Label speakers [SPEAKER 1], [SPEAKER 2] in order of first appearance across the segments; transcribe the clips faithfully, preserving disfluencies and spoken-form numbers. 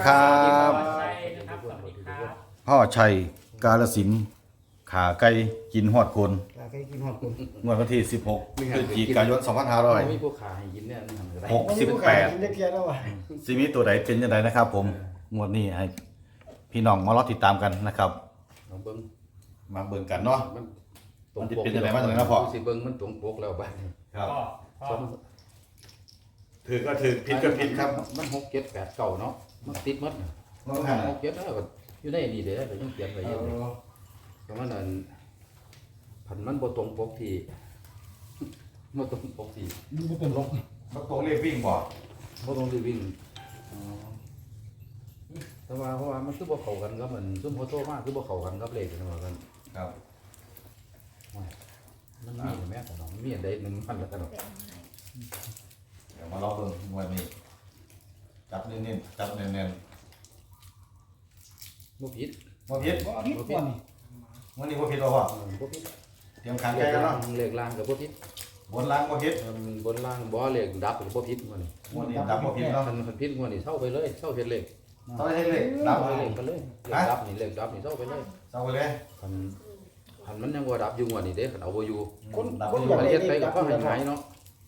[SPEAKER 1] ครับ
[SPEAKER 2] ใช่นะครับสวัสดีครับ
[SPEAKER 1] พ่อชัยกาฬสินธุ์ขาไก่กินฮอดคน
[SPEAKER 3] อยากให้กินหอดคน
[SPEAKER 1] งวดวันที่สิบหกพฤศจิกายนสองพันห้าร้อย
[SPEAKER 4] มีผู้ขายให้กินเนี่ยมันทำอะไร
[SPEAKER 1] หกสิบแปด
[SPEAKER 3] กินได้เพียแล้วว่ะ
[SPEAKER 1] ซีมีตัวใดเป็นยังไงนะครับ ผมงวดนี้ให้พี่น้องมารอติดตามกันนะครับ
[SPEAKER 4] ลองเบิ้ง
[SPEAKER 1] มาเบิ่งกันเนาะ
[SPEAKER 4] มัน
[SPEAKER 1] มันจะเป็นยังไงบ้างนะพ่อ
[SPEAKER 4] สิเบิ้งมันตรงปกแล้วบ้าง
[SPEAKER 1] ครับ
[SPEAKER 2] พ่อพ่อ
[SPEAKER 1] ถือก็ถือผิดก็ผิดครับ
[SPEAKER 4] มันหกเจ็ดแปดเก่าเนาะมันติดมัด
[SPEAKER 1] น้องหัน
[SPEAKER 4] หกเจ็ดแล้วก็อยู่ในนี่เด้อแต่ยังเขียนไว้เยอะเลยเพราะมันนั่นพันมันบ่ตรงปกที่บ่ตรงปกที่
[SPEAKER 3] มันไม่เป็นลม
[SPEAKER 1] มาตรงเลขวิ่งบ่
[SPEAKER 4] บ่ตรงที่วิ่งแต่ว่าเพราะว่ามันคือบ่เข้ากันกับมันซุ่มโคโตมากคือบ่เข้ากันกับเลขกันว่ากัน
[SPEAKER 1] ครับ
[SPEAKER 4] มันมีแม่ของน้องมีอันใดหนึ่งพันแล้วกันเนาะ
[SPEAKER 1] เดี๋ยวมาลองเบิ่งงวดนี้จับเน้นๆจับเน้น
[SPEAKER 4] บ่ผิด
[SPEAKER 1] ๆบ่ผิด
[SPEAKER 3] บ่พิษก่อนนี่
[SPEAKER 1] งวดนี้บ่ผิดบ่พ่อ
[SPEAKER 4] เออบ่ผิด
[SPEAKER 1] เตรียมขัน
[SPEAKER 4] เล
[SPEAKER 1] ไก่
[SPEAKER 4] ข
[SPEAKER 1] กัน
[SPEAKER 4] ล่า
[SPEAKER 1] เนาะ
[SPEAKER 4] งเลขล่างกับบ่ผิด
[SPEAKER 1] บนล่างบ่ผิด
[SPEAKER 4] เออบนล่างบ่เลขดับกับบ่ผิดมัน
[SPEAKER 1] งวดนี้ดับบ่ผิดเนาะ
[SPEAKER 4] คันคันผิดงวดนี้เซาไปเลยเซาเฮ็ดเลข
[SPEAKER 1] ต้องให้เลขดับ
[SPEAKER 4] เซา
[SPEAKER 1] เล
[SPEAKER 4] เลย ขไปเลยเลขดับนี่เลขดับนี่เซาไปเลย
[SPEAKER 1] เศร้าไปเลย
[SPEAKER 4] คันคันมันยังบ่ดับอยู่งวดนี้เด้คันเอาบ่อยู่
[SPEAKER 3] คน
[SPEAKER 1] ดับ
[SPEAKER 3] คน
[SPEAKER 1] ไป
[SPEAKER 3] อยาก
[SPEAKER 4] มัน
[SPEAKER 3] ได้
[SPEAKER 4] เฮ็ดไป
[SPEAKER 3] เลข
[SPEAKER 4] ก็
[SPEAKER 3] ดับ
[SPEAKER 4] พอ
[SPEAKER 3] เล
[SPEAKER 4] ให้
[SPEAKER 3] ย
[SPEAKER 4] หายเนาะ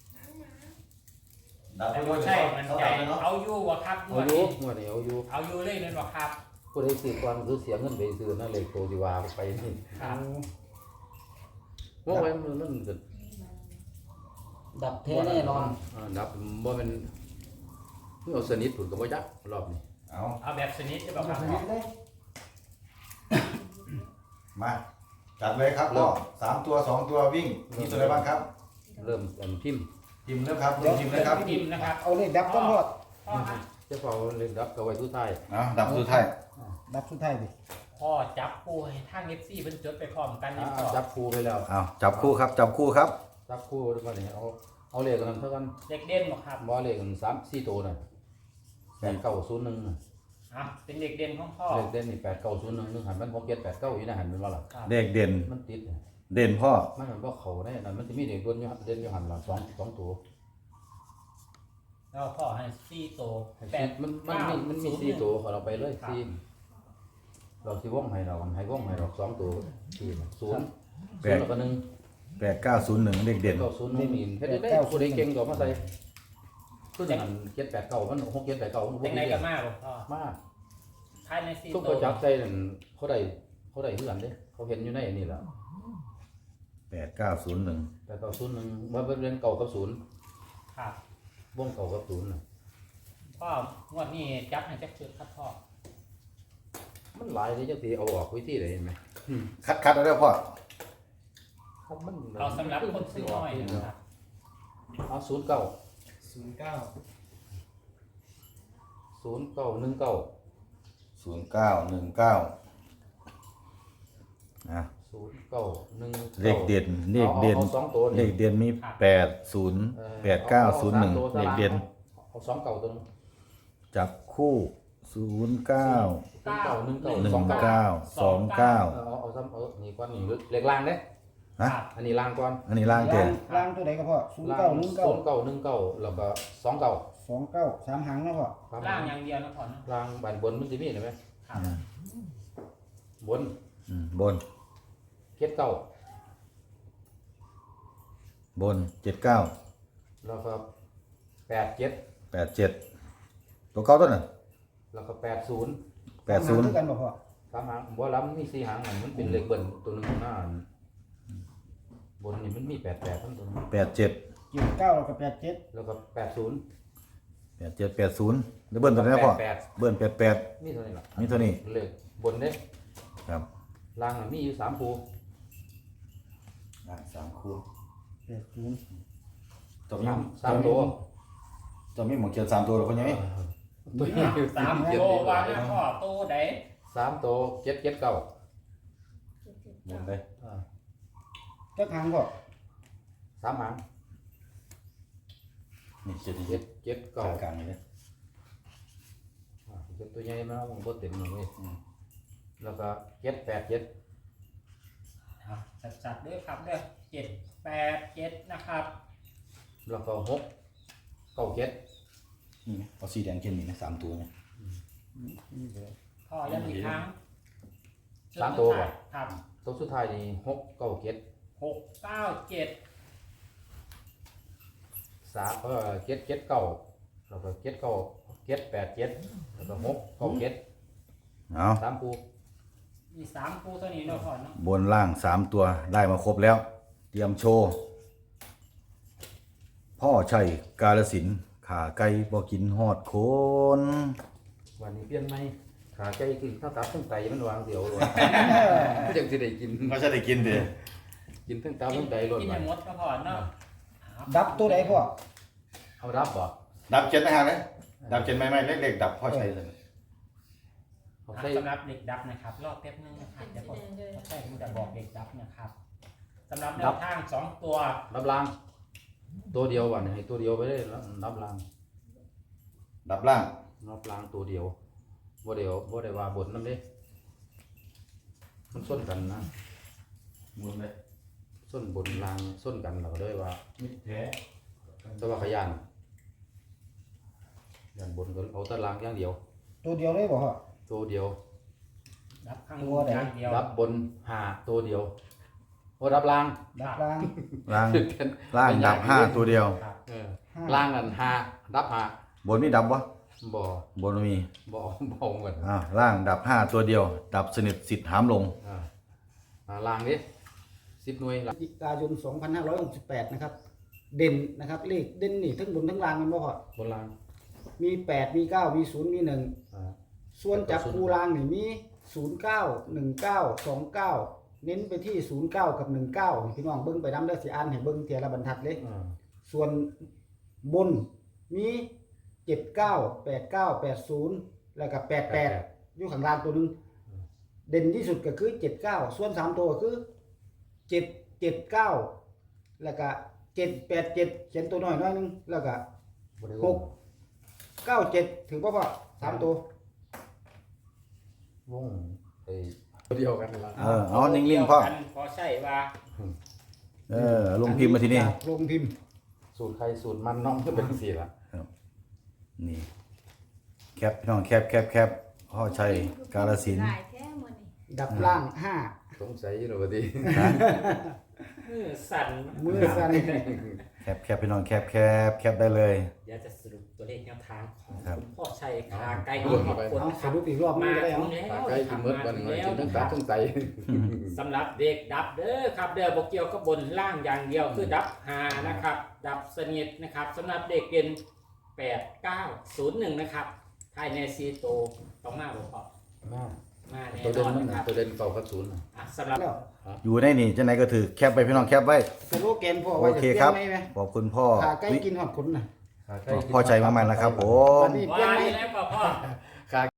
[SPEAKER 1] ดับไป
[SPEAKER 2] แต่
[SPEAKER 1] เล
[SPEAKER 2] ว่าย ใช่มันใจ
[SPEAKER 1] เนาะ
[SPEAKER 2] เอาอยู่วะครับง
[SPEAKER 4] เอา
[SPEAKER 2] วด
[SPEAKER 4] อยู่
[SPEAKER 2] นี้
[SPEAKER 4] งวดนี้เอาอยู่
[SPEAKER 2] เอาอยู่เลยนั่นวะครับ
[SPEAKER 4] ผู้ใดซื้อก่อนคือเสียเงินไปซื้อนั่นเลขโตที่ว่าไปนี่
[SPEAKER 2] ครับ
[SPEAKER 4] ว่าไว้มันมันก็
[SPEAKER 3] ดับแท้แน่นอน
[SPEAKER 4] อ่าดับบ่แม่นเอาสนิทพุ่นก็บ่ยักรอบนี้
[SPEAKER 1] เอา
[SPEAKER 2] เอาแบบชนิดจะบอก
[SPEAKER 3] ดั
[SPEAKER 2] ครับ
[SPEAKER 3] บ
[SPEAKER 2] พ่อ
[SPEAKER 3] เลย
[SPEAKER 1] มาจัดเลยครับพ่อสามตัวสองตัววิ่งมีตัวอะไรบ้างครับ
[SPEAKER 4] เริ่มอันพิมพ์
[SPEAKER 1] พิมพ์เลยครับลงพิมพ์เลยครับ
[SPEAKER 2] พิมพ์นะครับ
[SPEAKER 3] เอาเลขดับต้องรอด
[SPEAKER 2] พ่อฮะ
[SPEAKER 4] จะเฝ้าเลขดับก็ไว้ทุกท้าย
[SPEAKER 1] เอาดับสุดท้าย
[SPEAKER 3] ดับสุดท้ายดิ
[SPEAKER 2] พ่อจับปูให้ทางเอฟซีเพิ่นจดไปพร้อมกัน
[SPEAKER 4] อ่า
[SPEAKER 2] นี่พ่อ
[SPEAKER 4] จับคู่ไปแล้ว
[SPEAKER 1] เอาจับคู่ครับจับคู่ครับ
[SPEAKER 4] จับคู่แล้วก็นี่เอาเอาเลขกันเท่ากัน
[SPEAKER 2] เด็กเด่นบ่ครับ
[SPEAKER 4] บ่เลขกันสามสี่ตัวน่ะแปดเก้าศูนย์หนึ่ง
[SPEAKER 2] อ่ะเป็นเด็กเด่นของพ่อ
[SPEAKER 4] เลขเด่นนี่แปดเก้าศูนย์หนึ่งนึงหันมันหกเจ็ดแปดเก้าอยู่ในหันเป็นว่าล่ะ
[SPEAKER 2] ครับ
[SPEAKER 1] เลขเด่น
[SPEAKER 4] มันติดเนี่ย
[SPEAKER 1] เด่นพ่อ
[SPEAKER 4] มันมันบ่เข้าได้นั่นมันจะมีเด็กเด่นอยู่เด่นอยู่หันละสองสองตัว
[SPEAKER 2] แล้วพ่อให้สี่โตวแปด
[SPEAKER 4] มันมันมีมันมีสี่ตัวเขาเราไปเลยสี่เราสิว่องให้เราให้ว่องให้เราสองตัวสี่ศูนย์ศูนย์แล้วก็หนึ่ง
[SPEAKER 1] แปดเก้าศูนย์หนึ่งเลขเด่น
[SPEAKER 4] เก้าศูนย์หนึ่งมีเฮ็ดได้ผู้ใดเก่งก็มาใส่คืออย่างเจ็ดแปดเก้ามันหกเจ็ดแปดเก้ามันบ่
[SPEAKER 2] เป็นไง
[SPEAKER 4] มี
[SPEAKER 2] กันมากบ่พ่อ
[SPEAKER 4] มาก
[SPEAKER 2] ภายในสี่
[SPEAKER 4] ทุก
[SPEAKER 2] โต
[SPEAKER 4] คน
[SPEAKER 2] ว
[SPEAKER 4] จับใส่นั่นเขาได้เขาได้เฮือนเด้เขาเห็นอยู่ในนี่แหละ
[SPEAKER 1] แปดเก้าศูนย์หนึ่ง
[SPEAKER 4] แต่เก้าศูนย์หนึ่งว่าเป็นเรียนเก่ากับศูนย์
[SPEAKER 2] ครับ
[SPEAKER 4] วงเก่ากับศูนย์น่ะ
[SPEAKER 2] พ่องวดนี้จับให้จักชุดครับพ่อ
[SPEAKER 4] มันหลายเลยจังสิเอาออกวิธีไหนเห็นไหม
[SPEAKER 1] คัดคัดเอาได้พ่อ
[SPEAKER 4] ครับมัน
[SPEAKER 2] เอาสำหรับคนซื้อน้อยนะครับ
[SPEAKER 4] เอาศูนย์เก้า
[SPEAKER 3] ศูนย์เก้า
[SPEAKER 4] ศูนย์เก้าหนึ่งเก้า
[SPEAKER 1] ศูนย์เก้าหนึ่งเก้าอ่ะ
[SPEAKER 4] ศูนย์เก้าหนึ่ง
[SPEAKER 1] เลขเด่นเลขเด่น
[SPEAKER 4] อาสองตัว
[SPEAKER 1] เล
[SPEAKER 4] นี่
[SPEAKER 1] ขเด่นมีแปดศูนย์แปดเก้าศูนย์หนึ่งเลขเด่น
[SPEAKER 4] เอาสองเก้าตัวนึง
[SPEAKER 1] จับคู่ศูนย์เก้า
[SPEAKER 4] ศูนย์เก้าหนึ่งเก้า
[SPEAKER 1] หนึ่
[SPEAKER 4] สอง
[SPEAKER 1] ง
[SPEAKER 4] เก้า
[SPEAKER 1] เก้าสองเก้า
[SPEAKER 4] เอาเอาเอาซ้ำเอานี่ก้อนนี่เลขล่างเด้
[SPEAKER 1] ฮะ
[SPEAKER 4] อันนี้ล่างก่อน
[SPEAKER 1] อันนี้ล่างเด่น
[SPEAKER 3] ล่างตัวไหนก็พ่อศูนย์
[SPEAKER 4] ล่าง
[SPEAKER 3] เก้าหนึ่งเก้า
[SPEAKER 4] ศูนย์เก้าหนึ่งเก้าแล้วก็สองเก้า
[SPEAKER 3] สองเก้าสามหางนะพ่อ
[SPEAKER 4] ครับ
[SPEAKER 2] ล่างอย่างเดียวนะพ่อนะ
[SPEAKER 4] ล่างบานบนมันจะมีเห็นไหม
[SPEAKER 2] ครับ
[SPEAKER 4] บน
[SPEAKER 1] อืมบน
[SPEAKER 4] เจ็ดเก้า
[SPEAKER 1] บนเจ็ดเก้า
[SPEAKER 4] แล้วก็แปดเจ็ด
[SPEAKER 1] แปดเจ็ดตัวเก้าตัวน่ะ
[SPEAKER 4] แล้วก็แปดศูนย์
[SPEAKER 1] แปดศูนย์
[SPEAKER 3] สามหางด้วยกันบ่พ่อ
[SPEAKER 4] สามหางบ่ล้ำมีสี่หางอันมันเป็นเลขเบิ้ลตัวหนึงหน้าอันบนนี่มันมีแปดแปดทั้งตัวนึง
[SPEAKER 1] แปดเจ็ด
[SPEAKER 3] เจ็ดเก้าแล้วก็แปดเจ็ด
[SPEAKER 4] แล้วก็แปดศูนย์
[SPEAKER 1] แปดเจ็ดแปดศูนย์แล้วเบิ้ลตัวนี้นะพ่อ
[SPEAKER 4] แปด
[SPEAKER 1] เบิ้ลแปดแปด
[SPEAKER 4] มีเท่านี้ล่ะ
[SPEAKER 1] มีเท่านี้
[SPEAKER 4] เลขบนเด้
[SPEAKER 1] ครับ
[SPEAKER 4] ล่างน่ะมีอยู่สามคู่
[SPEAKER 1] อ่ะสามคู่
[SPEAKER 3] แปดศูนย์
[SPEAKER 1] ตัวนี้
[SPEAKER 4] สามสามตัว
[SPEAKER 1] ตัวนี้หมองเขียนสามตัวหรอพ่อใหญ่
[SPEAKER 4] ตัวนี้
[SPEAKER 2] สาม
[SPEAKER 4] เจ็ด
[SPEAKER 2] โต
[SPEAKER 4] ตัว
[SPEAKER 2] ว่านะพ่อโตใด
[SPEAKER 4] สามตัวเจ็ดเจ็ดเก้า
[SPEAKER 1] หมุนเลย
[SPEAKER 4] อ่า
[SPEAKER 3] จักหางพ่อ
[SPEAKER 4] สามหาง
[SPEAKER 1] นี่เจ็ด
[SPEAKER 4] เจ็
[SPEAKER 1] เจ็
[SPEAKER 4] ด
[SPEAKER 1] ด
[SPEAKER 4] เจ็ดเก้า
[SPEAKER 1] กลางกลางเลย
[SPEAKER 4] อ่าเป็นตัวใหญ่มากมันบ่เต็มเลยแล้วก็เจ็ดแปดเจ็ด
[SPEAKER 2] ครับจัดๆด้วยครับเด้อเจ็ดแปดเจ็ดนะครับ
[SPEAKER 4] แล้วก็หกเก้าเจ็ด
[SPEAKER 1] นี่ไหมเอาสีแดงเข้มนี่นะสามตัวเนี่ย
[SPEAKER 3] นี่เลย
[SPEAKER 2] พ่อย้ำอีกครั้ง
[SPEAKER 4] สามตัวบ่
[SPEAKER 2] ครับ
[SPEAKER 4] ตัวสุดท้ายนี่หกเก้าเจ็ด
[SPEAKER 2] หกเก้าเจ็ด
[SPEAKER 4] สามเออเจ็ดเจ็ดเก้าแล้วก็เจ็ดเก้าเจ็ดแปดเจ็ดแล้วก็หกเก้าเจ็ด
[SPEAKER 1] เอา
[SPEAKER 4] สามคู่
[SPEAKER 2] มีสามคู่ตัวนี้เนาะพ่อเนาะ
[SPEAKER 1] บนล่างสามตัวได้มาครบแล้ว เตรียมโชว์พ่อชัยกาลสินธุ์ขาไก่บ่กินฮอดโคน
[SPEAKER 4] วันนี้เปลี่ยนไหมขาไก่กินข้าวตับทั้งไตมันวางเดียวเลยจังสิได้กิน
[SPEAKER 1] ก็จะได้กินดิ
[SPEAKER 4] กินทั้งตับทั้งไตรถ
[SPEAKER 2] กิน
[SPEAKER 4] ไป
[SPEAKER 2] ให้หมดก็พอเนาะ
[SPEAKER 3] ดับตัวไหนพ่อ
[SPEAKER 4] เอารับบ่
[SPEAKER 1] ดับเจ็ดนะฮะเลยดับเจ็ดไม่ไม่เล็กๆดับพ่อชัยเลย
[SPEAKER 4] เอา
[SPEAKER 2] อ่ะ
[SPEAKER 4] ใส่
[SPEAKER 2] สำหรับเด็กดับนะครับรอบแป๊บนึงนะครับเดี๋ยวผมใช่ผมจะบอกเด็กดับนะครับสำหรับแนวทางสองตัว
[SPEAKER 4] รับรางตัวเดียววันให้ตัวเดียวไปเลยรับราง
[SPEAKER 1] ดับล่าง
[SPEAKER 4] รับรางตัวเดียวบ่เดียวบ่ได้ว่าบนน้ำเด้มันส้นกันนะ
[SPEAKER 1] มุนเลย
[SPEAKER 4] ส้นบนรางส้นกันเราก็เลยว่า
[SPEAKER 1] มิดแท้
[SPEAKER 4] แต่ว่าขยันยันบนก็เอาแตารางอย่างเดียว
[SPEAKER 3] ตัวเดียวเลยบ่พ่อ
[SPEAKER 4] ตัวเดียว
[SPEAKER 2] ดับข้าง
[SPEAKER 3] ตั
[SPEAKER 2] บ
[SPEAKER 3] วน ไหน
[SPEAKER 2] อย่างเดียว
[SPEAKER 4] รับบนหาตัวเดียวโอ้รับราง
[SPEAKER 3] ดับล่าง
[SPEAKER 1] ล่างล่างดับห้าตัวเดียว
[SPEAKER 2] ครับ
[SPEAKER 4] เออ
[SPEAKER 3] ห้า
[SPEAKER 4] ล่างกันหารับหา
[SPEAKER 1] บนนี่ดับวะ
[SPEAKER 4] บ่
[SPEAKER 1] บนมี
[SPEAKER 4] บ่บ่เหมือน
[SPEAKER 1] อ่าล่างดับห้าตัวเดียว ดับสนิทสิทธิ์หามลง
[SPEAKER 4] อ่าอ่าล่างดิสิบหน่วยล่ะ
[SPEAKER 3] พฤศจิกายนสองพันห้าร้อยหกสิบแปดนะครับ เด่นนะครับเลขเด่นนี่ทั้งบนทั้งล่างมันบ่พ่อบ
[SPEAKER 4] นล่าง
[SPEAKER 3] มีแปดมีเก้ามีศูนย์มีหนึ่ง
[SPEAKER 4] อ่า
[SPEAKER 3] ส่วนจับคูรางนี่มีศูนย์เก้าหนึ่งเก้าสองเก้าเน้นไปที่ศูนย์เก้ากับหนึ่งเก้าพี่น้องเบิ้งไปน้ำเด้อสิอ่านให้เบิ้งเทียละบรรทัดเลย
[SPEAKER 4] อ่า
[SPEAKER 3] ส่วนบนมีเจ็ดเก้าแปดเก้าแปดศูนย์แล้วก็แปดแปดอยู่ข้างล่างตัวหนึงเด่นที่สุดก็คือเจ็ดเก้าส่วนสามตัวก็คือเจ็ดเจ็ดเก้าแล้วก็เจ็ดแปดเจ็ดเขียนตัวน้อยน้อยหนึงแล้วก็
[SPEAKER 4] บ่ได้
[SPEAKER 3] หกเก้าเจ็ดถือป่ะพ่อสามตัว
[SPEAKER 4] วงไอ้ตัวเดียวกันล่ะ
[SPEAKER 1] เออเอานิ่งๆพ่อ
[SPEAKER 2] พอใช่ว่า
[SPEAKER 1] เออลงพิมพ์มาที่นี่
[SPEAKER 3] จากลงพิมพ์
[SPEAKER 4] สูตรใครสูตรมันน้องก็เป็นสี่ละ
[SPEAKER 1] นี่ แคปพี่น้องแคปแคปแคปพ่อชัยกาลสินธุ์
[SPEAKER 5] หลายแท้มื้อนี้
[SPEAKER 3] ดับล่างห้า
[SPEAKER 4] สงสัยอยู่หน่อยดี
[SPEAKER 2] มือสั่น
[SPEAKER 3] มือสั่น
[SPEAKER 1] แคปแคปพี่น้องแคปแคปแคปได้เลย
[SPEAKER 2] เดี๋ยวจะสรุปตัวเลขแนวทางของ
[SPEAKER 1] ครับ
[SPEAKER 2] คุณพ่อชัยขาไก่
[SPEAKER 4] เอา
[SPEAKER 2] ขอบคุณ
[SPEAKER 3] เอา
[SPEAKER 2] นะค
[SPEAKER 3] ส
[SPEAKER 2] รับ
[SPEAKER 3] รุปอีกรอบนึง
[SPEAKER 2] มา
[SPEAKER 3] ก็ได้
[SPEAKER 2] ถึ
[SPEAKER 3] เอา
[SPEAKER 2] งแล้ว
[SPEAKER 4] ขาไก่กินหมดวัน
[SPEAKER 2] มา
[SPEAKER 4] นี้
[SPEAKER 2] ถึง
[SPEAKER 4] กิน
[SPEAKER 2] แล้
[SPEAKER 4] ทั้
[SPEAKER 2] ว
[SPEAKER 4] งตับทั้งไต
[SPEAKER 2] สำหรับเด็กดับเด้อครับเด้อบอกเกี่ยวกับบนล่างอย่างเดียวคือดับหานะครับ ดับสนิทนะครับสำหรับเด็กเรียนแปดเก้าศูนย์หนึ่งนะครับภายในซีโตต้องมาบอกพ่อ
[SPEAKER 4] มา
[SPEAKER 2] มาแน่
[SPEAKER 4] ตัวน เด่น
[SPEAKER 2] อน
[SPEAKER 4] มัน
[SPEAKER 2] นะค
[SPEAKER 4] น่ะ
[SPEAKER 2] รับ
[SPEAKER 4] ตัวเด่นเก่ากับศูนย์น่ะ
[SPEAKER 2] อ่ะสำหรับ
[SPEAKER 3] แล้ว
[SPEAKER 1] อยู่ในนี่จังไหนก็ถือแคปไปพี่น้องแคปไว้
[SPEAKER 3] สโลแกนพ่อ
[SPEAKER 1] โอ
[SPEAKER 3] ไว้จะ
[SPEAKER 1] เค
[SPEAKER 3] เปลี่ย
[SPEAKER 1] ครับ
[SPEAKER 3] นไหมไหม
[SPEAKER 1] ขอบคุณพ่อ
[SPEAKER 3] ขาไก่
[SPEAKER 1] วิ
[SPEAKER 3] กินหอดขนน่ะ
[SPEAKER 4] ขาไก่กิน
[SPEAKER 1] พ่อชัยมากๆนะครับผม
[SPEAKER 3] วันนี้เปลี่ยน
[SPEAKER 2] ว่า
[SPEAKER 3] ไหม
[SPEAKER 2] แล้วก็พ่อ
[SPEAKER 4] ขา